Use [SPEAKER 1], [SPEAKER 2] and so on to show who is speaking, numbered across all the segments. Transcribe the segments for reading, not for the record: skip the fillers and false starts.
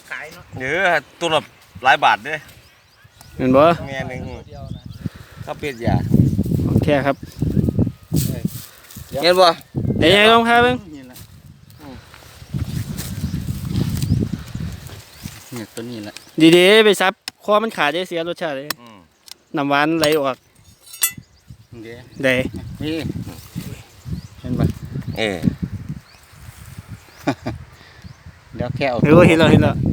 [SPEAKER 1] ขายเนาะ
[SPEAKER 2] ตัวละหลายบาทเด้
[SPEAKER 3] เห็นบ่
[SPEAKER 2] แม่นึงข้าวเป็ดยา
[SPEAKER 3] โอเคครับ
[SPEAKER 2] เห็นบ่
[SPEAKER 3] เดี๋ยวลองพาเบิ่ง
[SPEAKER 1] เนี่ยตัวนี้แหละ
[SPEAKER 3] ดีๆไปซับคอมันขาดได้เสียรสชาติเลยน้ำหวานไหลออกได้
[SPEAKER 1] นี่เห็นปะเดี๋ยวแค่เอา
[SPEAKER 3] เห็นแล้ว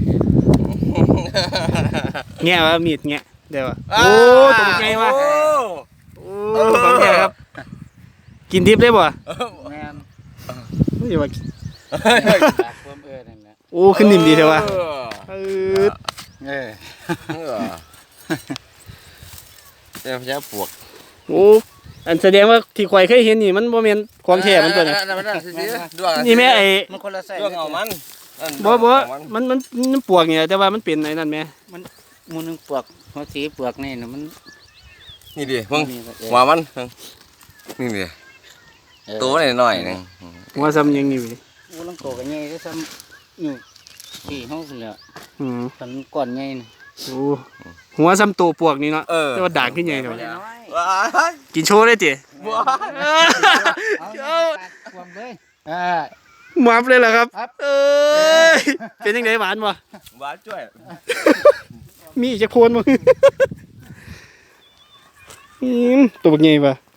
[SPEAKER 3] แง่ว่ามีดแง่เดี๋ยวโอ้ตัวไงวะโอ้ของแท้ครับกินดิบได้บ่
[SPEAKER 1] แม่น
[SPEAKER 3] นี่ว่า
[SPEAKER 1] นั่นแหละ
[SPEAKER 3] โอ้ขึ้นนิ่มดีเถอะวะ
[SPEAKER 2] เจ้าปวก
[SPEAKER 3] โอ้อันแสดงว่าที่ข่อยเคยเห็นนี่มันบ่แม่นของแท้มันตัวนี้นี่แม่ไอ้
[SPEAKER 1] มันคนละไส้
[SPEAKER 2] ดวงเอามัน
[SPEAKER 3] บ่มันปวกเนี่ยแต่ว่ามันเป็นไอ้นั่นแม่
[SPEAKER 1] มันมูนึงปวกหัวสีปวกนี่นะมัน
[SPEAKER 2] นี่ดิมึงหัวมันนี่ดิตัวหน่อยนึง
[SPEAKER 3] หัวซ้ำยังนี่เว้ย
[SPEAKER 1] โอ้ลังโตกันใหญ่ก็ซ้ำนี่สี่ห้องเลยสันก่อนใหญ่นี่
[SPEAKER 3] โอ้หัวซ้ำตัวปวกนี่เนาะแต่ว่าด่างขึ้นใหญ่เนาะกินโชว์ได้ติ
[SPEAKER 1] ความเลย
[SPEAKER 3] หวานเลยเหรอครับเป็นยังไงหวานบ่
[SPEAKER 2] หวานจ้วย
[SPEAKER 3] มีจะโคนมั้งตัวใหญ่ปะ